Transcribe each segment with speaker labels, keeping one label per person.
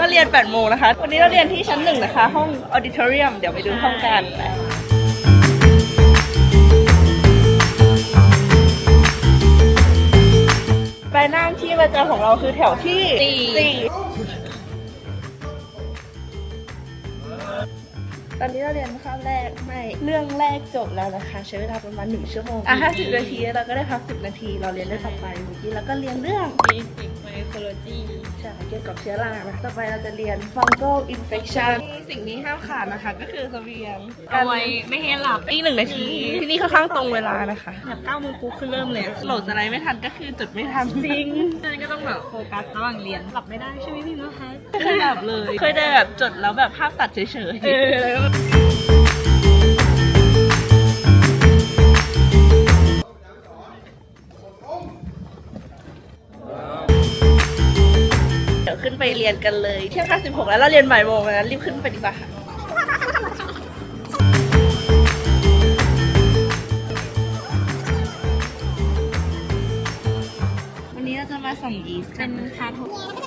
Speaker 1: เรียน8 โมงนะคะวันนี้เราเรียนที่ชั้น 1นะคะห้องออดิทอเรียมเดี๋ยวไปดูห้องกันไปนั่งที่ประจำของเราคือแถวที่ 4ตอนนี้เราเรียนข้ามแรกไม่เรื่องแรกจบแล้วนะคะใช้เวลาประมาณ1 ชั่วโมง50 นาทีเราก็ได้พัก10 นาทีเราเรียนได้ต่อไปเมื่อกี้เราก็เรียนเรื่อง
Speaker 2: Basic Mycology
Speaker 1: ใช่เกี่ยวกับเชื้อรานะต่อไปเราจะเรียน fungal infection สิ่งนี้ห้ามขาดนะคะก็คือเสบียง
Speaker 2: เอาไว้ไม่ให้หลับ
Speaker 1: อีก1 นาทีที่นี่ค่อนข้างตรงเวลานะคะ
Speaker 2: แบบ9 โมงปุ๊บคือเริ่มเลย
Speaker 1: โหลดสไลด์ไม่ทันก็คือจดไม่ทันจริง
Speaker 2: ฉะนั้นก็ต้องแบบโฟกัสระหว่างเรียนหลับไม่ได้ใช่ไหมพี่นะคะ
Speaker 1: เคยแบบเลยเคยได้แบบจดแล้วแบบภาพตัดเฉยๆเดี๋ยวขึ้นไปเรียนกันเลยเที่ยง56แล้วเราเรียนบ่ายโมงนะรีบขึ้นไปดีกว่าค่ะวันนี้เราจะมาส่งยีสต์กัน
Speaker 2: เป็นคาโท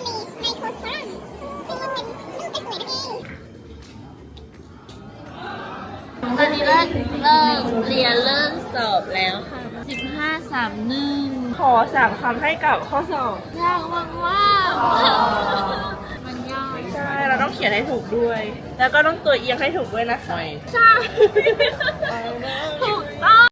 Speaker 2: ตอนนี้เริ่มเรียนเริ่มสอบแล้วค่ะ1531
Speaker 1: ขอ3 คำให้กับข้อสอบ
Speaker 2: ยากมากว่ามันยาก
Speaker 1: ใช่เราต้องเขียนให้ถูกด้วย แล้วก็ต้องตัวเอียงให้ถูกด้วยนะคะ
Speaker 2: ใช่
Speaker 1: เห็